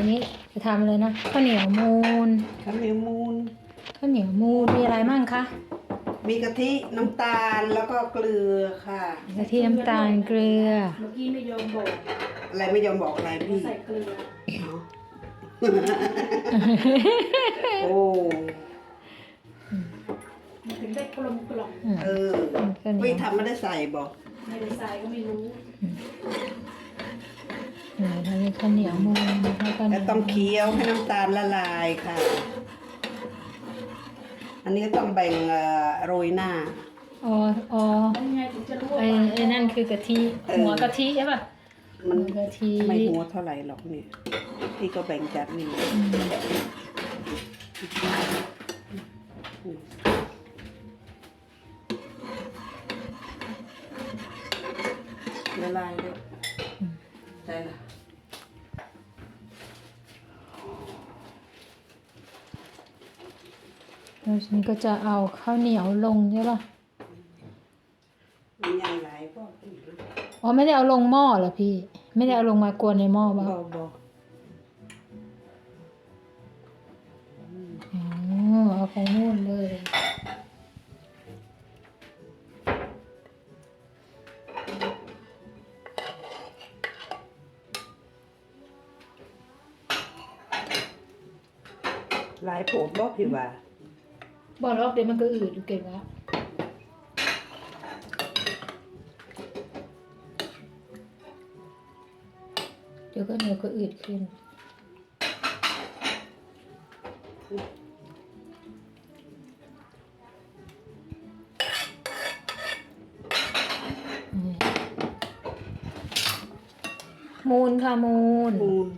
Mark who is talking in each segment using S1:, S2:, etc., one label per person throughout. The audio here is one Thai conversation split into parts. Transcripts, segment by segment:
S1: นี้จะทำเลยนะข้าวเหนียวมูน
S2: ข้าวเหนียวมูน
S1: มีอะไรมั่งคะ
S2: มีกะทิน้ำตาลแล้วก็เกลือค่ะ
S1: กะทิน้ำตาลเกลือ
S3: เมื่อกี้ไม่ยอมบอก
S2: อะไรไม่ยอมบอกอะไรพี่
S3: ใส่เกลือ
S2: โอ้
S3: มันถึงได้กลมกล่อม
S2: พี่ทำไม่ได้ใส่บอก
S3: ไม่ได้ใส่ก็ไม่รู้
S1: ทำเป็นข้าวเหนียวมูน
S2: แล้วต้องเคี้ยวให้น้ำตาลละลายค่ะอันนี้ก็ต้องแบ่งโรยหน้า
S3: ยังไงถึงจะรู้ว่า
S1: ไอ้นั่นคือกะทิหัวกะทิใช่ป่ะ
S2: มันกะทิไม่หัวเท่าไหร่หรอกนี่พี่ก็แบ่งจากนี่ละลายเลยได้ละ
S1: แล้วฉันก็จะเอาข้าวเหนียวลงใช่ป่ะ
S2: มันใหญ่หลายก็
S1: ไม่ได้เอาลงหม้อเหรอพี่ไม่ได้เอาลงมากวนในหม้อป่ะเอาไปนู่นเลย
S2: หลายโผล่บอกพี่ว่า
S1: บอกแล้วเดี๋ยวมันก็อืดอยู่เก่งแล้วเดี๋ยวก็เหนียวก็อืดขึ้นมูนค่ะมูน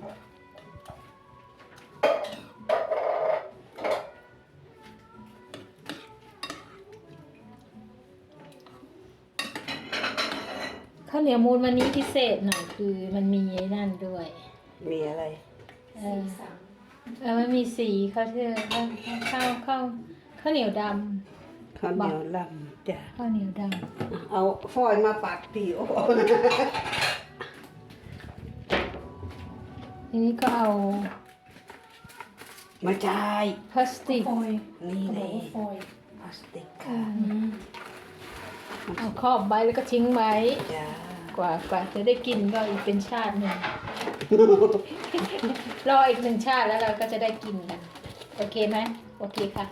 S1: ข้าวเหนียวมูนวันนี้พิเศษหน่อยคือมันมีไอ้นั่นด้วย
S2: มีอะไร
S1: มันมีสีข้าวเหนียวดำ
S2: ข้าวเหนียวดำจ้ะ
S1: ข้าวเหนียวดำ
S2: เอาฟอยมาปัดผิว
S1: ทีนี้ก็เอา
S2: มาจ่าย
S1: พลาสติก
S2: นี่เลยพลาสติกค่ะ
S1: เอาครอบไว้แล้วก็ทิ้งไว้กว่าจะได้กินก็อีกเป็นชาติหนึ่ง รออีก1 ชาติแล้วเราก็จะได้กินกันโอเคไหมโอเคค่ะ